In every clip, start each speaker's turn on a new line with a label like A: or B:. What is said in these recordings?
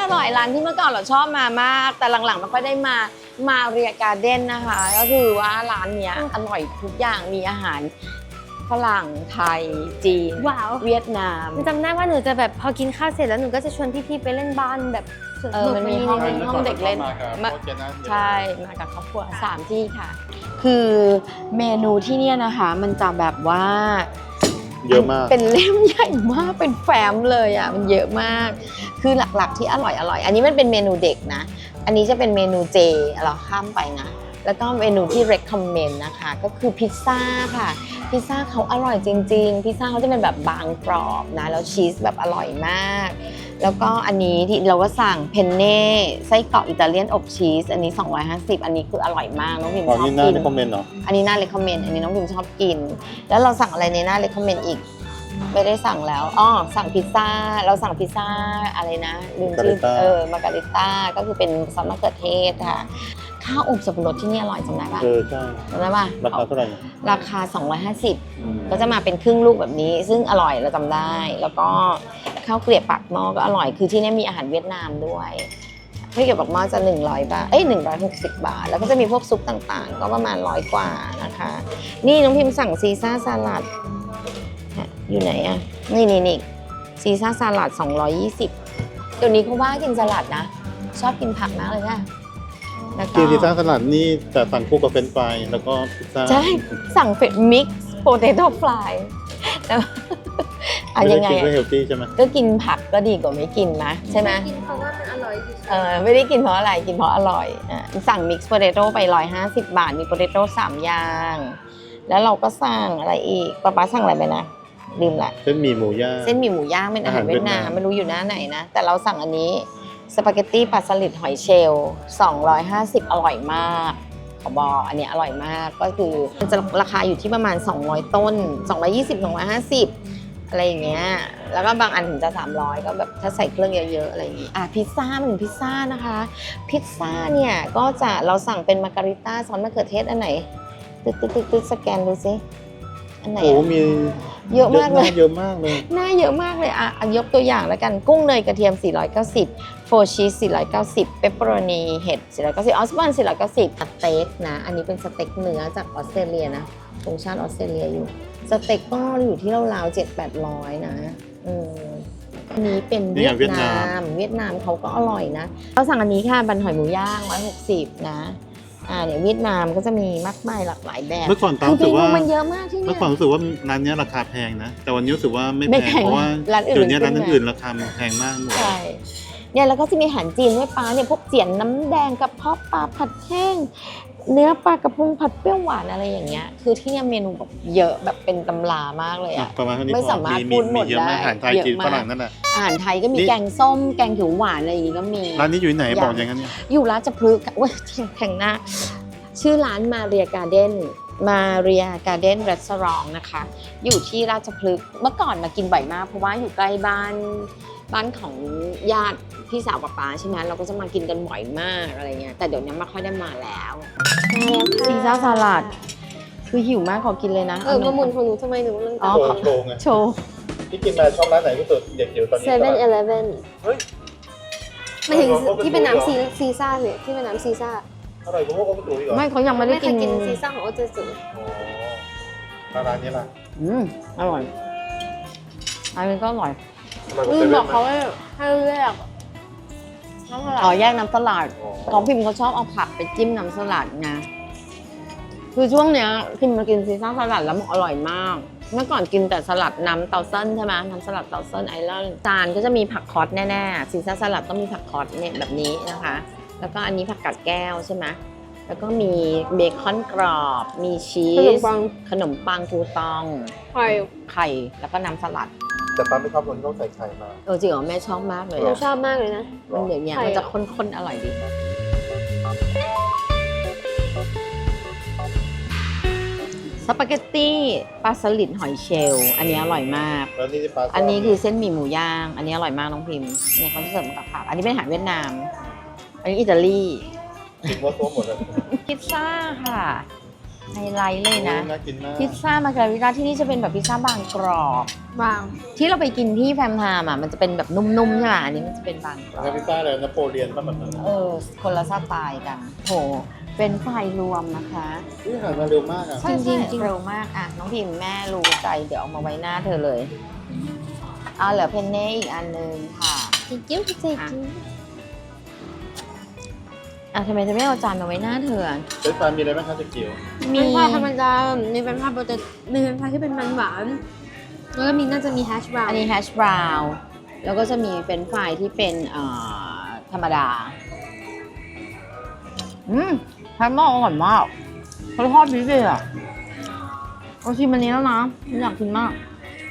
A: ร่อยร้านที่เมื่อก่อนเราชอบมามาก แต่หลังๆไม่ค่อยได้มาเรียการ์เด้นนะคะ ก็คือว่าร้านเนี้ยอร่อยทุกอย่างมีอาหารฝรั่งไทยจีน
B: ว้าว
A: เวียดนาม
B: จำได้ว่าหนูจะแบบพอกินข้าวเสร็จแล้วหนูก็จะชวนพี่ๆไปเล่นบ้านแบบสวนสนุก
A: มันมีห้องเด็กเล่นใช่มากับครอบครัว3 ที่ค่ะ คือเมนูที่เนี่ยนะคะมันจะแบบว่า
C: เยอะมาก
A: เป็นเล่มใหญ่มากเป็นแฟ้มเลยอ่ะมันเยอะมาก คือหลักๆที่อร่อยอันนี้มันเป็นเมนูเด็กนะอันนี้จะเป็นเมนูเจเราข้ามไปนะแล้วก็เมนูที่ recommend นะคะก็คือพิซซ่าค่ะพิซซ่าเขาอร่อยจริงๆพิซซ่าเขาจะเป็นแบบบางกรอบนะแล้วชีสแบบอร่อยมากแล้วก็อันนี้ที่เราก็สั่งเพนเน่ไส้กรอกอิตาเลียนอบชีสอันนี้250อันนี้คืออร่อยมากน้องพิมชอบกิน
C: นี่น่าจะคอมเมนต์เหรอ
A: อันนี้น่าเลคคอมเมนต์อันนี้น้องพิมชอบกินแล้วเราสั่งอะไรในหน้าเลคคอมเมนต์อีกไม่ได้สั่งแล้วสั่งพิซซ่าเราสั่งพิซซ่าอะไรนะลืมชื่อมาการิต้าก็คือเป็นซอสมะเขือเทศค่ะข้าวอบสับปะรดที่นี่อร่อยจำได้ปะ
C: ใช่
A: จำได้ปะ
C: ราคาเท่าไหร่
A: ราคา250ก็จะมาเป็นครึ่งลูกแบบนี้ซึ่งอร่อยเราจำได้แล้วก็ข้าวเกลียบปากหม้อก็อร่อยคือที่นี่มีอาหารเวียดนามด้วยข้าวเกลียบปากหม้อจะ100 บาท160 บาทแล้วก็จะมีพวกซุปต่างๆก็ประมาณ100 กว่านะคะนี่น้องพิมสั่งซีซ่าสลัดอยู่ไหนอะนี่ซีซ่าสลัด220เดี๋ยวนี้เขาว่ากินสลัดนะชอบกินผักมากเลยค่ะแล้วก็
C: กินพิซซ่าสลัดนี่แต่สั่งคู่กับเฟรนช์ฟรายแล้วก็พิซซ่า
A: ใช่สั่งเฟดมิกซ์โปเตโต้ฟลายแล้วยังไง
C: ไม่ได้กินเพื่อเฮลตี้ใช่ไหม
A: ก็กินผักก็ดีกว่าไม่กินมะใช่ไหม
B: กินเพราะว่ามันอร่อยที่สุด
A: ไม่ได้กินเพราะอะไรกินเพราะอร่อยสั่งมิกซ์โปเตโต้ไป150 บาทมีโปเตโต้3 อย่างแล้วเราก็สั่งอะไรอีกป๊าสั่งอะไรไปนะลืมละ
C: เส้นหมี่หมูย่าง
A: เส้นหมี่หมูย่างเป็นอาหารเวียดนามไม่รู้อยู่หน้าไหนนะแต่เราสั่งอันนี้สปาเกตตี้ปลาสลิดหอยเชลล์250อร่อยมากขอบอกอันนี้อร่อยมากก็คือมันจะราคาอยู่ที่ประมาณ200ต้น220 250อะไรอย่างเงี้ยแล้วก็บางอันถึงจะ300ก็แบบถ้าใส่เครื่องเยอะๆอะไรอย่างงี้พิซซ่ามันพิซซ่านะคะพิซซ่าเนี่ยก็จะเราสั่งเป็นมาการิต้าซอสมะเขือเทศอันไหนตึ๊ดสแกนดูซิอันไหน
C: โอ้มี
A: เยอะมากเลย
C: เยอะมากเลย
A: หน้าเยอะมากเลยยกตัวอย่างแล้วกันกุ้งเนยกระเทียม490โฟชีส490เปปเปอโรนีเห็ด490ออสบอน490สเต็กนะอันนี้เป็นสเต็กเนื้อจากออสเตรเลียนะตรงชาติออสเตรเลียอยู่สเต็กก็อยู่ที่ราวๆ700-800นะอันนี้เป็นเวียดนามเขาก็อร่อยนะเราสั่งอันนี้ค่ะบันหอยหมูย่าง160นะเนี่ยเวียดนามก็จะมีมากมายหลากหลายแบบ
C: เมื่อก่อนตามรู้สึกว่า
A: มันเยอะมากที่นี่
C: เมื่อก่อนรู้สึกว่าร้านนี้ราคาแพงนะแต่วันนี้รู้สึกว่าไม่
A: ไม่
C: แพ
A: แพ
C: ง
A: ง
C: เพราะว่า
A: ร้านอื่น
C: เดี๋ยวนี้
A: มันขึ้น
C: ร้านอื่นราคามันแพงมากหมด
A: ใช่เนี่ยแล้วก็จะมีอาหารจีนด้วยปลาเนี่ยพวกเจียนน้ำแดงกับเพาะปลาผัดแห้งเนื้อปลากระพงผัดเปรี้ยวหวานอะไรอย่างเงี้ยคือที่เนี่ยเมนูแบบเยอะแบบเป็นตำรามากเลยอะ
C: ประมาณเท่านี้
A: ไม่สามารถพูดหมด
C: เยอะมาก
A: ได้
C: อาหารไทย
A: เยอะ
C: จีน
A: มาก
C: ฝรั่งนั่นแหละ
A: อาหารไทยก็มี
C: นี่
A: แกงส้มแกงเขียวหวานอะไรอย่างงี้ก็มี
C: ร้านนี้อยู่ไหนบอกอย่างนั้นเนี่ย
A: อยู่ราชพฤกษ์เว้ยแข่งหน้าชื่อร้านมาเรียการ์เด้นรีสอร์ทนะคะอยู่ที่ราชพฤกษ์เมื่อก่อนมากินบ่อยมากเพราะว่าอยู่ใกล้บ้านของญาติพี่สาวป๊าใช่ไหมเราก็จะมากินกันบ่อยมากอะไรเงี้ยแต่เดี๋ยวนี้ไม่ค่อยได้มาแล้วซีซ่าสลัดคือหิวมากขอกินเลยนะ
B: มาหมุนของหนูทำไมหนูเรื่อง
A: อ๋อ
C: โชว์ไง
A: โชว์
C: ที่กินมาชอบร้านไหนที่สุดเด็กจิ๋วตอนนี้
B: 7-Eleven
C: เฮ้ย
B: ไม่ถึงที่เป็นน้ำซีซ่าเนี่ยที่เป็นน้ำซีซ่า
C: อร่อยกว่าพวกก็ไม่ถูกอีกเหรอ
A: ไม่เขายังไม่ได้
B: ไม่เค
A: กิ
B: ย
A: น
B: กินซีซ่าของโอเจสุ
C: ร้านนี้ล่ะ
A: อร่อยอันนี้ก็อร่อย
B: บอกเขาว่าให้เลือกน้ำสลัด
A: แยกน้ำสลัดของพิมเขาชอบเอาผักไปจิ้มน้ำสลัดนะคือช่วงเนี้ยพิมมากินซีซ่าสลัดแล้วมันอร่อยมากเมื่อก่อนกินแต่สลัดน้ำเตาเส้นใช่ไหมน้ำสลัดเตาเส้นไอรอนจานก็จะมีผักคอสแน่ๆซีซ่าสลัดต้องมีผักคอสเนี่ยแบบนี้นะคะแล้วก็อันนี้ผักกาดแก้วใช่ไหมแล้วก็มีเบคอนกรอบมีชีสขนมปังทูตอง ไข่แล้วก็น้ำสลัด
C: แต่ป้าไม่ชอบคนที่ต้องใส่ไข่มา
A: จริงเหรอแม่ชอบมากเลย
B: หนู
A: อะ
B: ชอบมากเลยนะ
A: มันเดี๋ยวนี้
B: ไข่
A: มันจะข้นๆอร่อยดีสปาเกตตี้ปลาสลิดหอยเชลล์อันนี้อร่อยมาก
C: แล้วนี่ที่ป้า
A: อันนี้คือเส้นหมี่หมูย่าง อันนี้อร่อยมากน้องพิมพ์เนี่ยเขาจะเสิร์ฟมากับผักอันนี้เป็นอาหารเวียดนาม อันนี้อิตาลี
C: กินว่าตัวหมดเลย
A: พิซซ่าค่ะไฮไลท์เลยนะ
C: น่ากินมาก
A: พิซซ่ามาการาวิต้าที่นี่จะเป็นแบบพิซซ่าบางกรอบ
B: บาง
A: ที่เราไปกินที่แฟมไทม์อ่ะมันจะเป็นแบบนุ่มๆใช่ไหมอันนี้มันจะเป็นบางกรอบ
C: แล้วพิซซ่าอะไรนโปเลียนป่ะแบบนั้น
A: คนละสไตล์กันโหเป็นไฟรวมนะคะ
C: นี่อาหารมาเร็วมากอ่ะ
A: จริงๆเร็วมากอ่ะน้องพิมแม่รู้ใจเดี๋ยวเอามาไว้หน้าเธอเลยเอาเหลือเพนเน่อีกอันนึงค่ะ
B: จริงๆจริง
A: ทำไมเธอไม่เอาจานมาไว้หน้าเธอ
C: เฟรนช์ฟรายมีอะไรบ้างคะเจ๊เกียว
B: ๆมีเป็นธรรมดามีเป็นภาพโปรตีนมีเป็นภาพที่เป็นมันหวานแล้วก็มีน่าจะมีแฮชบราว
A: อันนี้แฮชบราวน์แล้วก็จะมีเป็นไฟรายที่เป็นธรรมดาแฮมเบอร์เกอร์อร่อยมากเขาทอดดีเลยอ่ะเราชิมอันนี้แล้วนะอยากกินมาก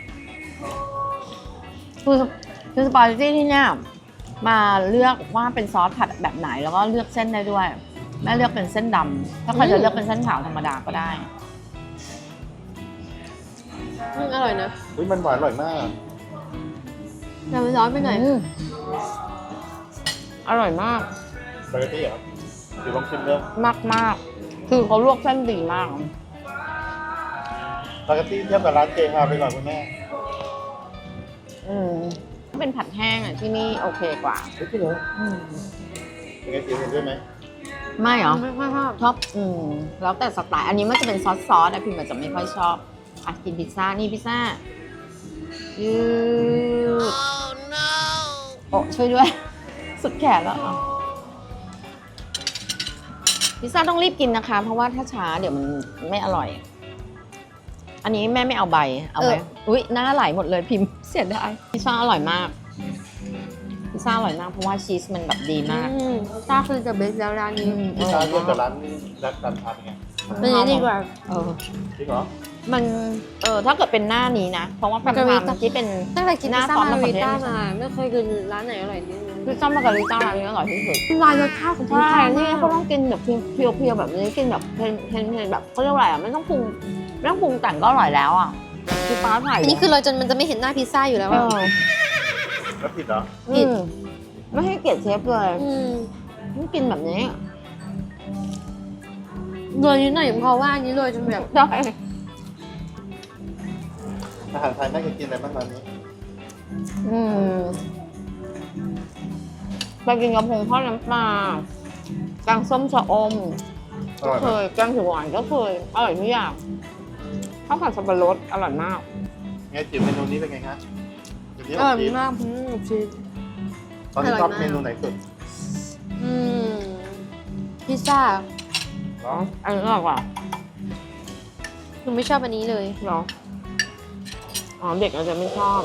A: คือสปาเกตตี้ที่เนี่ยมาเลือกว่าเป็นซอสผัดแบบไหนแล้วก็เลือกเส้นได้ด้วยแม่เลือกเป็นเส้นดำถ้าใครจะเลือกเป็นเส้นขาวธรรมดาก็ได้
B: อร่อยนะ
C: อุ้ยมันหวานอร่อยมาก
B: แต่มันร้อนไปหน่อย
A: อร่อยมาก
C: สปาเกตตี้เหรอหรือลองชิมเริ่ม
A: มากคือเขาลวกเส้นดีมาก
C: สปาเกตตี้เทียบกับร้านเจฮาไปก่อนคุณแม่
A: เป็นผัดแห้งอ่ะที่นี่โอเคกว่า
C: เฮ้ยพี่เหรอเป็นไงจิ๋วเห็นด้วยไหม
A: ไม่เหรอ
B: ไม่ชอบ
A: ชอบแล้วแต่สไตล์อันนี้มันจะเป็นซอสอะพิมอาจจะไม่ค่อยชอบอ่ะกินพิซซ่านี่พิซซ่ายืดโอ้ช่วยด้วย สุดแขนแล้วอ่ะพิซซ่าต้องรีบกินนะคะ เพราะว่าถ้าช้าเดี๋ยวมันไม่อร่อย อันนี้แม่ไม่เอาใบเอาไหมอุ๊ยหน้าไหลหมดเลยพิมพ์เสียดายพิซซ่าอร่อยมากพิซซ่าอร่อยมากเพราะว่าชีสมันแบบดีมาก
B: ตาคือจะเบสแล้วร้านนี้
C: พิซซ่าเทียบกับร้านการทานไง
B: เป็นอย่างนี้ดีกว่า
C: จริงเหรอ
A: มันถ้าเกิดเป็นหน้านี้นะ เพราะว่าแฟมไทม์ที่เป็น
B: ตั้งแต่กิน
A: หน้า
B: พิซซ่า
A: ซอส
B: มา
A: มะเขื
B: ริ
A: อเทศ
B: ต้ามาไม่เคยกินร้านไหนอร่อยนี่
A: พิซซ่ามาการิต้าร้านนี้อร่อยที่สุด
B: ลายรสชาติของพิซ
A: ใช่
B: ซ่า
A: นี่
B: นี่
A: เขาต้องกินแบบเพียวๆแบบนี้กินแบบเพลนแบบเขาเรียกว่าอะไรอ่ะไม่ต้องปรุงแต่งก็อร่อยแล้วอ่ะคือฟ้าถ่าย
B: อันนี้คือเราจนมันจะไม่เห็นหน้าพิซซ่าอยู่แล้ว
A: เอ
B: อะ
A: อ
C: แล้วผิดเหรอ
A: ผิดไม่ให้เกียรติเชฟเลย
B: ม
A: ต้องกินแบบนี้
B: โรยนิดหน่อยเพราะว่าอันนี้โรยจนแบบ
A: ใช่
C: อาหารไทยแม่เคยกินอะไรบ้างร้านนี้
A: ไปกินกระพงทอดน้ำปลาแกงส้มชะอม
C: อร่อย
A: เค
C: ไหม
A: ยแกงเขียวหวานก็เคยอร่อยทุกอย่างข้าวผัดสับปะรดอร่อยมาก
C: ไงจิ๋วเมนูนี้เป็นไงคะเดี๋ยวนี้
B: อร่อย
C: ชีส
B: มากชีส
C: ตอนนี้ชอบ
B: อร่อยมาก
C: เมนูไหนสุด
B: พิซซ่า
C: เนาะ
A: อันนี้อร่อยกว่า
B: หนูไม่ชอบอันนี้เลย
A: เหรออ๋อเด็กอาจจะไม่ชอบ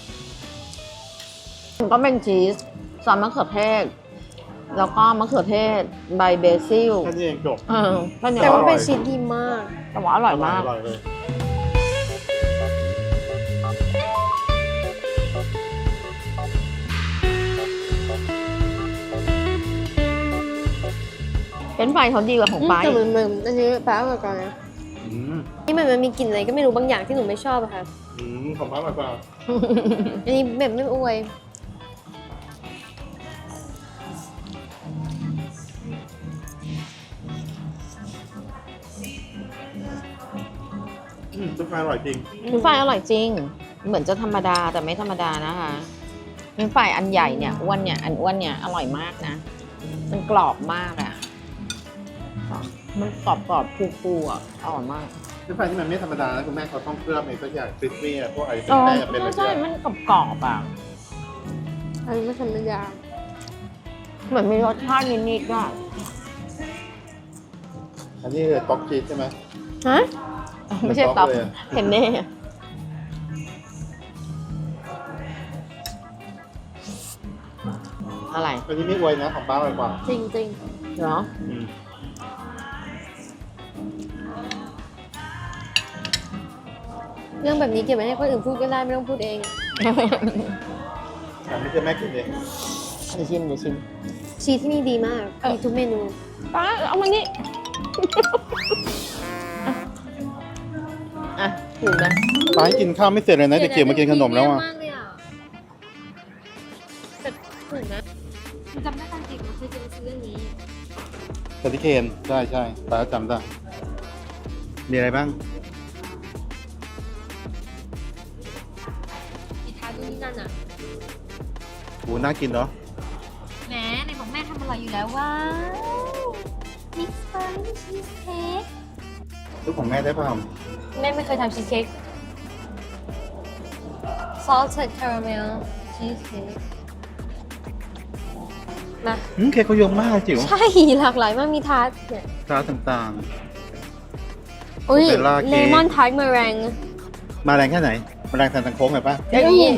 A: มันก็เป็นชีสซอสมะเขือเทศ แล้วก็มะเขือเทศใบเบซิล
C: แค่นี้เองจบ
A: แค่นี้
B: แต่ว่า
C: อร่อย
B: เป็นชีสดีมาก
A: แต่ว่าอร่อยมาก
C: อร่อยเลย
A: เป็นไฟเขาดีกว่าของป้า
B: แต่เหมือนอันนี้แปลว่าก่อนนะ
C: อืม
B: นี่มันมีกลิ่นอะไรก็ไม่รู้บางอย่างที่หนูไม่ชอบอะค่ะ
C: ของป้าอร่อยกว่า
B: อันนี้แบบไม่อวย
C: ทุกไฟอร่อยจริง
A: เป็นไฟอร่อยจริง เหมือนจะธรรมดาแต่ไม่ธรรมดานะคะเป็นไฟอันใหญ่เนี่ยอ้วนเนี่ยอันอ้วนเนี่ยอร่อยมากนะ มันกรอบมากอ่ะมันกรอบฟูๆอ่ะอร่อยมาก
C: ทุกไฟที่มันไม่ธรรมดานะคุณแม่เขาต้องเคลือบในสักอย่างคริสปี้อะพวกไอ้เป็นแป้งเป็นอะไร
A: ใช่
C: อย่าง
A: มันกรอบๆอ่ะ
B: อันนี้ไม่ธรรมดา
A: เหมือนมีรสชาตินิดๆอ่ะ
C: อันนี้คือต๊อกชีสใช่ไหม
B: ฮะ
A: ไม่ใช่ต๊อป
C: เลยอะ
A: เพนเน่อะไร
C: อันนี้ไม่อวยนะของป้าอร่อยกว่า
B: จริงจริง
A: เหรอ
C: อืม
B: เรื่องแบบนี้เก็บไว้ให้คนอื่นพูดก็ได้ไม่ต้องพูดเอง
C: แต่ไม่ใช่แม่กินเอง
A: เดี๋ยวชิม
B: ชีสที่นี่ดีมาก มีทุกเมนู
A: ป้าเอามานี่ อ่ะถูกนะ
C: ป้าให้กินข้าวไม่เสร็จเลยนะจะเกี่ยวมากินขนมแล้วอ่ะ
B: แต่ถูกนะจำได้ตอนเด็กเราเคยเจอซื้ออันนี้
C: สติเคนใช่ป้าจำได้มีอะไรบ้าง
B: มีทานนู่นนี่นั่นอ่ะ
C: หูน่ากินเนาะ
B: แหมในของแม่ทำอร่อยอยู่แล้วว้าวมิกซ์เบอร์รี่ชีสเค้ก
C: ลูกของแม่ได้เปล่า
B: แม่ไม่เคยทำชีสเค้ก salted caramel cheesecake มา
C: เค้กเขาเยอะมากจิ๋ว
B: ใช่หลากหลายมากมีทาร์ตเนี่ย
C: ร้านต่าง
B: อุ้ย
C: เบลล่าเค้ก
B: เลมอนทาร์ตเมอแรง
C: ๆ มาแรงแค่ไหน มาแรงแซนตังโค้งหน่อยป่ะ
B: เดี๋ยวนี้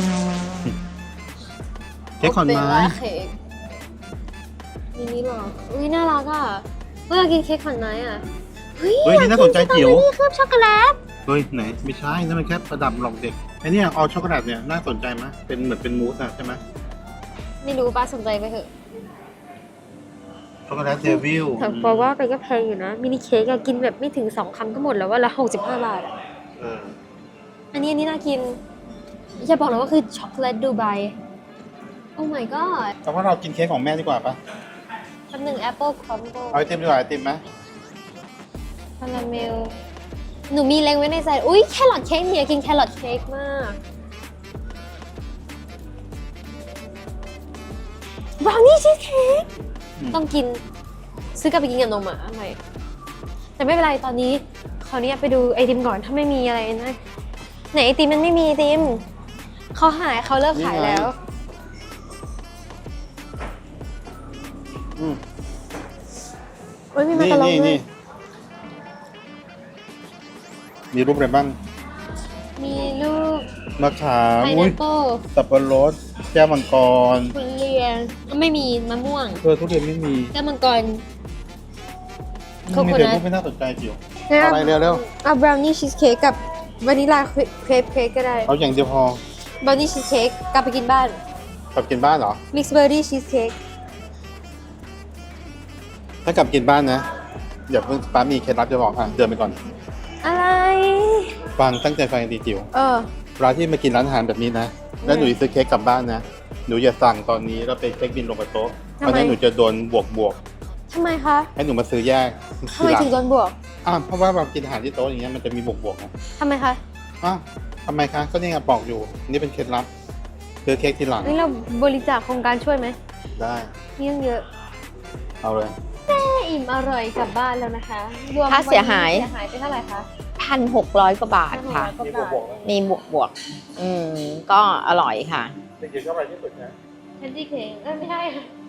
C: เค้กขอนไม้
B: เบลล่าเค้กมินิหรออุ้ยน่ารักอ่ะเมื่อกินเค้กขอนไม้อ่ะ
C: เฮ้ยนี่น่าสนใจจิ๋ว
B: นี่เคลือบช็อกโกแลต
C: เฮ้ยไหนไม่ใช่นั่นมันแค่ประดับหลอกเด็กไอ้เนี่ยเอาช็อกโกแลตเนี่ยน่าสนใจไหมเป็นเหมือนเป็นมูสอะใช่ไหม
B: ไม่รู้ป้าสนใจไปเถอะ
C: ช็อกโกแลตเดวิล
B: แต่เพราะว่าไปก็แพงอยู่นะ มินิเค้กอะกินแบบไม่ถึง2 คำก็หมดแล้วว่าละ65 บาทอะ
C: เออ
B: อันนี้น่ากินอย่าบอกเลยว่าคือช็อกโกแลตดูไบโอ้ my god
C: แต่ว่าเรากินเค้กของแม่ดีกว่าปะ
B: คำหนึ่งแอปเปิลครัมเบิล
C: เอาไอติมดีกว่าไอติมไหม
B: คาราเมลหนูมีเล็งไว้ในใจอุ้ยแครอทเค้กเมียกินแครอทเค้กมากบราวนี่ชีสเค้กต้องกินซื้อกลับไปกินกับนมอะอะไรแต่ไม่เป็นไรตอนนี้ขออนุญาตไปดูไอติมก่อนถ้าไม่มีอะไรนะไหนไอติมมันไม่มีไอติมเขาหายเขาเลิกขายแล้ว
C: อืม
B: โอ้ยมีมาการองด้วย
C: มีรูปอะไรบ้าง
B: มีลูก
C: มะขาม
B: ไพ
C: อุ้
B: นั
C: ย
B: ปเปิล
C: สับปะรดแก้วมังกร
B: ทุเรียนไม่มีมะม่วง
C: ทุเรียนไม่มี
B: แก้วมังกร โค
C: มี
B: โค
C: แต่
B: นั
C: รู
B: ท
C: ปไม่น่าสนใจจิ๋ว อะไรเร็ว
B: เอาบราวนี่ชีสเค้กกับวานิลลาเครปเค้กก็ได้
C: เอาอย่างเดียวพอบ
B: ราวนี่ชีสเค้กกลับไปกินบ้าน
C: กลับกินบ้านเหรอ
B: มิกซ์เบอร์รี่ชีสเค้ก
C: ถ้ากลับกินบ้านนะอย่าเพิ่งป้ามีเคล็ดลับจะบอกเดินไปก่อน
B: อะไร
C: ฟังตั้งใจฟังดีจิ๋ว
B: เออ
C: เวลาที่มากินร้านอาหารแบบนี้นะ แล้วหนูจะซื้อเค้กกลับบ้านนะ หนูอย่าสั่งตอนนี้แล้วไปเช็คบินลงกับโต๊ะ
B: ทำ
C: เพราะ
B: ไม
C: ฉะนั้นหนูจะโดนบวก
B: ทำไมคะ
C: ให้หนูมาซื้อแยก
B: ทำไมถึงโดนบวก
C: เพราะว่าเรากินอาหารที่โต๊ะอย่างเงี้ยมันจะมีบวกนะ
B: ทำไมคะ
C: ทำไมคะ ก็นี่ไงบอกอยู่ นี่เป็นเคล็ดลับซื้อเค้กทีหลัง
B: นี่เราบริจาคโครงการช่วยไหม
C: ได้
B: นี่ยังเยอะ
C: เอาเลย
B: แม่อิ่มอร่อยกลับบ้านแล้วนะคะรวม
A: ค่าเสียหาย
B: เสียหายไปเท่าไหร่คะ
A: 1,600 กว่าบาทค่ะ
B: 1,600 กว่าบาท
A: มีบวกก็อร่อยค่ะ
C: เด็กๆชอบอะไรที่สุดนะ
B: แคนดี้เค้กไม่ใช่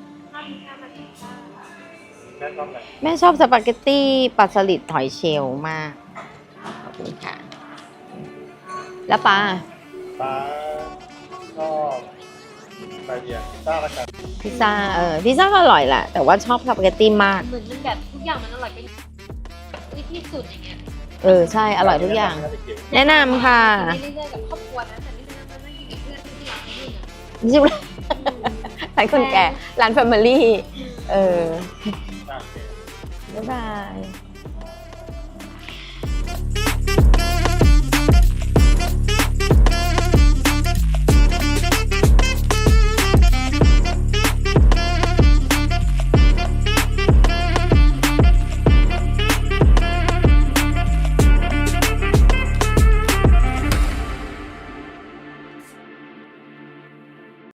C: แม่ชอบอะไร
A: แม่ชอบสปาเกตตี้ปลาสลิดหอยเชลล์มาก ขอบคุณค่ะ แล้วปลา
C: ป้าชอบไปเดียพิซซ่าละกัน
A: พิซซ่าพิซซ่าก็อร่อยแหละ แต่ว่าชอบสปาเกตตี้มาก
B: เหมือนมันแบบทุกอย่างมันอร่อยไปที่สุดอย่างเงี้ย
A: ใช่ อร่อยทุกอย่าง แนะนำค่ะ
B: ไปเรื่อยๆกับครอบครัวนะแต่นี่มันนั่งกินกับเพื่อนที่ร้านนี่นะ
A: ใช่ไหมร้านคนแก่ ร้านแฟมิลี่ บ๊ายบาย